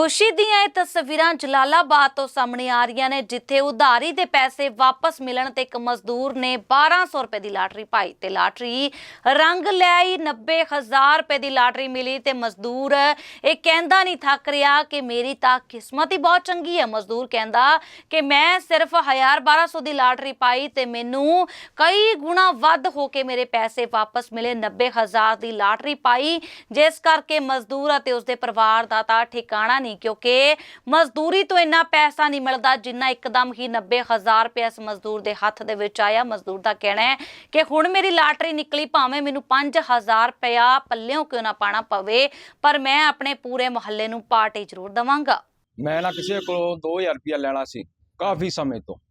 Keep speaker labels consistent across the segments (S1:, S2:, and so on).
S1: खुशी ਦੀਆਂ ਇਹ ਤਸਵੀਰਾਂ ਜਲਾਲਾਬਾਦ ਤੋਂ ਸਾਹਮਣੇ ਆ ਰਹੀਆਂ ਨੇ, ਜਿੱਥੇ ਉਧਾਰੀ ਦੇ ਪੈਸੇ ਵਾਪਸ ਮਿਲਣ ਤੇ ਇੱਕ ਮਜ਼ਦੂਰ ਨੇ 1200 ਰੁਪਏ ਦੀ ਲਾਟਰੀ ਪਾਈ ਤੇ ਲਾਟਰੀ ਰੰਗ ਲੈ ਆਈ। 90,000 ਰੁਪਏ ਦੀ ਲਾਟਰੀ ਮਿਲੀ ਤੇ ਮਜ਼ਦੂਰ ਇਹ ਕਹਿੰਦਾ ਨਹੀਂ ਥੱਕ ਰਿਹਾ ਕਿ ਮੇਰੀ ਤਾਂ ਕਿਸਮਤ ਹੀ ਬਹੁਤ ਚੰਗੀ ਹੈ। ਮਜ਼ਦੂਰ ਕਹਿੰਦਾ ਕਿ ਮੈਂ ਸਿਰਫ 1200 ਦੀ ਲਾਟਰੀ ਪਾਈ ਤੇ ਮੈਨੂੰ ਕਈ ਗੁਣਾ ਵੱਧ ਹੋ ਕੇ ਮੇਰੇ ਪੈਸੇ ਵਾਪਸ ਮਿਲੇ। 90,000 ਦੀ ਲਾਟਰੀ ਪਾਈ, ਜਿਸ ਕਰਕੇ ਮਜ਼ਦੂਰ ਅਤੇ ਉਸਦੇ ਪਰਿਵਾਰ ਦਾ ਤਾਂ ਠਿਕਾਣਾ नहीं, क्योंकि मजदूरी तो इन्ना पैसा नहीं मिलता जिन्ना एकदम ही 90,000 रुपया इस मजदूर के हथ दे विच आया। मजदूर का कहना है कि हुण मेरी लाटरी निकली, भावें मैनूं 5,000 रुपया पल्लियों क्यों ना पाना पवे, पर मैं अपने पूरे मुहल्ले नूं पार्टी जरूर देवांगा।
S2: मैं ना किसी को 2,000 रुपया लेना सी काफ़ी समय तो,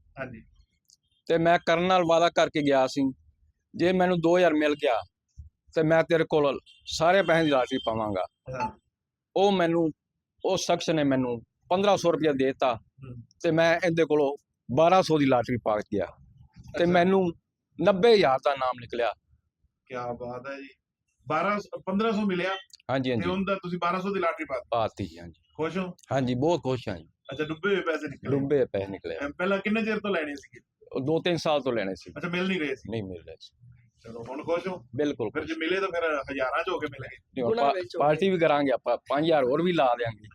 S2: ते मैं करन नाल वादा करके गया सी जे मैनूं 2,000 मिल गया तो मैं तेरे कोल सारे पैसे की लाटरी पावांगा। वो मैनूं उस शख्स ने मैनू 1,500 रुपया देता ते मैं इहदे कोलों 1,200 की लाटरी पा गया ते मैनू 90,000 का नाम निकलिया।
S3: क्या बात है जी। 1500 मिलिया।
S2: हाँ जी, हाँ जी,
S3: 1200 की लाटरी
S2: पाती जी। हाँ जी,
S3: खुश हो?
S2: हाँ जी, बहुत खुश हाँ जी।
S3: अच्छा, डुबे हुए पैसे निकले?
S2: डुबे पैसे निकले।
S3: पहला कितने देर तो लेने सी?
S2: 2-3 साल तो लेने सी।
S3: अच्छा, मिल नहीं रहे सी?
S2: नहीं मिल रहे सी।
S3: चलो हुण खुश हो?
S2: बिल्कुल।
S3: फिर जो मिले तो फिर हजारां च हो के मिलेंगे।
S2: पार्टी भी करांगे, आप 5,000 और भी ला देंगे।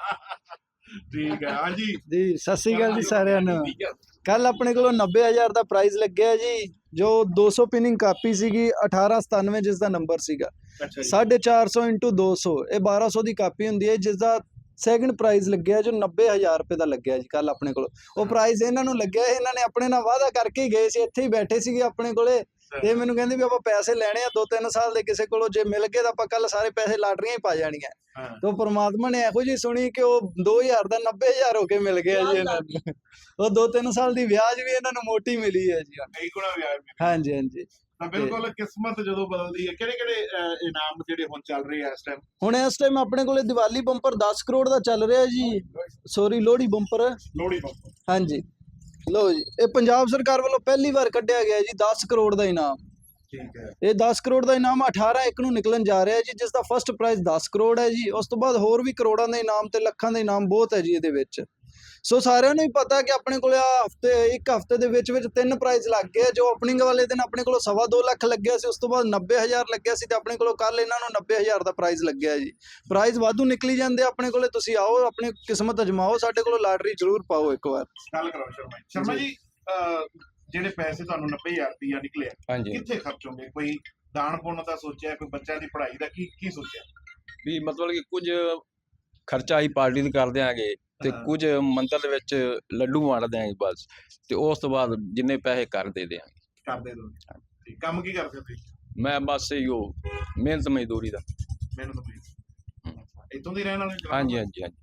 S3: ठीक है। हाँ जी
S4: जी, सत श्री अकाल जी सारिਆਂ ਨੂੰ। ਕੱਲ ਆਪਣੇ ਕੋਲੋਂ 90,000 ਦਾ ਪ੍ਰਾਈਜ਼ ਲੱਗਿਆ ਜੀ, ਜੋ 200 ਪਿਨਿੰਗ ਕਾਪੀ ਸੀਗੀ 1897 ਜਿਸ ਦਾ ਨੰਬਰ ਸੀਗਾ।
S3: अच्छा जी।
S4: 450 × 200 ਇਹ 1200 ਦੀ ਕਾਪੀ ਹੁੰਦੀ ਹੈ, ਜਿਸ ਦਾ ਸੈਕਿੰਡ ਪ੍ਰਾਈਜ਼ ਲੱਗਿਆ ਜੋ 90,000 ਰੁਪਏ ਦਾ ਲੱਗਿਆ ਜੀ ਕੱਲ ਆਪਣੇ ਕੋਲ। ਉਹ ਪ੍ਰਾਈਜ਼ ਇਹਨਾਂ ਨੂੰ ਲੱਗਿਆ, ਇਹਨਾਂ ਨੇ ਆਪਣੇ ਨਾਲ ਵਾਅਦਾ ਕਰਕੇ ਹੀ ਗਏ ਸੀ, ਇੱਥੇ ਹੀ ਬੈਠੇ ਸੀਗੇ ਆਪਣੇ ਕੋਲੇ ਤੇ ਮੈਨੂੰ ਕਹਿੰਦੇ ਵੀ ਆਪਾਂ ਪੈਸੇ ਲੈਣੇ ਆ 2-3 ਸਾਲ ਦੇ ਕਿਸੇ ਕੋਲੋਂ, ਜੇ ਮਿਲ ਗਏ ਤਾਂ ਆਪਾਂ ਕੱਲ ਸਾਰੇ ਪੈਸੇ ਲਾਟਰੀਆਂ ਹੀ ਪਾ ਜਾਣੀਆਂ। तो परमात्मा ने ਇਹੋ ਜੀ ਸੁਣੀ ਕਿ ਉਹ 2,000 ਦਾ 90,000 ਹੋ ਕੇ ਮਿਲ ਗਿਆ ਜੀ ਇਹਨਾਂ ਨੂੰ। ਉਹ 2-3 ਸਾਲ ਦੀ ਵਿਆਜ ਵੀ ਇਹਨਾਂ ਨੂੰ ਮੋਟੀ ਮਿਲੀ ਹੈ ਜੀ।
S3: ਕਈ ਗੁਣਾ ਵਿਆਜ ਮਿਲਿਆ।
S4: ਹਾਂਜੀ ਹਾਂਜੀ,
S3: ਤਾਂ ਬਿਲਕੁਲ ਕਿਸਮਤ ਜਦੋਂ ਬਦਲਦੀ ਹੈ। ਕਿਹੜੇ ਕਿਹੜੇ ਇਨਾਮ ਜਿਹੜੇ ਹੁਣ ਚੱਲ ਰਹੇ ਆ ਇਸ ਟਾਈਮ?
S4: ਹੁਣ ਇਸ ਟਾਈਮ ਆਪਣੇ ਕੋਲੇ ਦੀਵਾਲੀ ਬੰਪਰ 10 ਕਰੋੜ ਦਾ ਚੱਲ ਰਿਹਾ ਜੀ। Sorry, Lohri bumper.
S3: Lohri bumper.
S4: ਹਾਂਜੀ, ਲਓ ਜੀ, ਇਹ ਪੰਜਾਬ ਸਰਕਾਰ ਵੱਲੋਂ ਪਹਿਲੀ ਵਾਰ ਕੱਢਿਆ ਗਿਆ ਜੀ 10 ਕਰੋੜ ਦਾ ਇਨਾਮ।
S3: ਠੀਕ ਹੈ।
S4: ਇਹ 10 ਕਰੋੜ ਦਾ ਇਨਾਮ 18/1 ਨੂੰ ਨਿਕਲਣ ਜਾ ਰਿਹਾ ਜੀ, ਜਿਸ ਦਾ ਫਸਟ ਪ੍ਰਾਈਜ਼ 10 ਕਰੋੜ ਹੈ ਜੀ। ਉਸ ਤੋਂ ਬਾਅਦ ਹੋਰ ਵੀ ਕਰੋੜਾਂ ਦੇ ਇਨਾਮ ਤੇ ਲੱਖਾਂ ਦੇ ਇਨਾਮ ਬਹੁਤ ਹੈ ਜੀ ਇਹਦੇ ਵਿੱਚ। ਸੋ ਸਾਰਿਆਂ ਨੂੰ ਹੀ ਪਤਾ ਕਿ ਆਪਣੇ ਕੋਲ ਇੱਕ ਹਫ਼ਤੇ ਦੇ ਵਿੱਚ 3 ਪ੍ਰਾਈਜ਼ ਲੱਗ ਗਏ। ਜੋ ਓਪਨਿੰਗ ਵਾਲੇ ਦਿਨ ਆਪਣੇ ਕੋਲ 2.25 ਲੱਖ ਲੱਗਿਆ ਸੀ, ਉਸ ਤੋਂ ਬਾਅਦ 90,000 ਲੱਗਿਆ ਸੀ ਤੇ ਆਪਣੇ ਕੋਲ ਕੱਲ ਇਹਨਾਂ ਨੂੰ 90,000 ਦਾ ਪ੍ਰਾਈਜ਼ ਲੱਗਿਆ ਜੀ। ਪ੍ਰਾਈਜ਼ ਵਾਧੂ ਨਿਕਲੀ ਜਾਂਦੇ ਆਪਣੇ ਕੋਲੇ, ਤੁਸੀਂ ਆਓ ਆਪਣੀ ਕਿਸਮਤ ਅਜਮਾਓ, ਸਾਡੇ ਕੋਲ ਲਾਟਰੀ ਜ਼ਰੂਰ ਪਾਓ ਇੱਕ ਵਾਰ।
S3: ਗੱਲ ਕਰੋ ਸ਼ਰਮਾ ਜੀ। ਜਿਹੜੇ ਪੈਸੇ ਤੁਹਾਨੂੰ 90,000 ਰੁਪਇਆ ਨਿਕਲਿਆ,
S2: हाँ जी,
S3: ਕਿੱਥੇ ਖਰਚੋਗੇ? ਕੋਈ ਦਾਨ ਪੁੰਨ ਦਾ ਸੋਚਿਆ? ਕੋਈ ਬੱਚਿਆਂ ਦੀ ਪੜ੍ਹਾਈ ਦਾ ਕੀ ਸੋਚਿਆ?
S2: भी मतलब कि कुछ खर्चा ही पार्टी दी कर देंगे ते कुछ मंदिर दे विच लड्डू वंड देंगे बस, ते उस तो बाद जिन्ने पैसे कर दे देंगे।
S3: ਕਰਦੇ ਦੋ। ਕੰਮ ਕੀ ਕਰਦੇ ਤੁਸੀਂ?
S2: मैं बस यो मेहनत मजदूरी दा।
S3: ਮੈਨੂੰ ਤਾਂ ਇਤੋਂ ਦੀ ਰਹਿਣ ਵਾਲੇ?
S2: हाँ जी, हाँ जी, हाँ जी।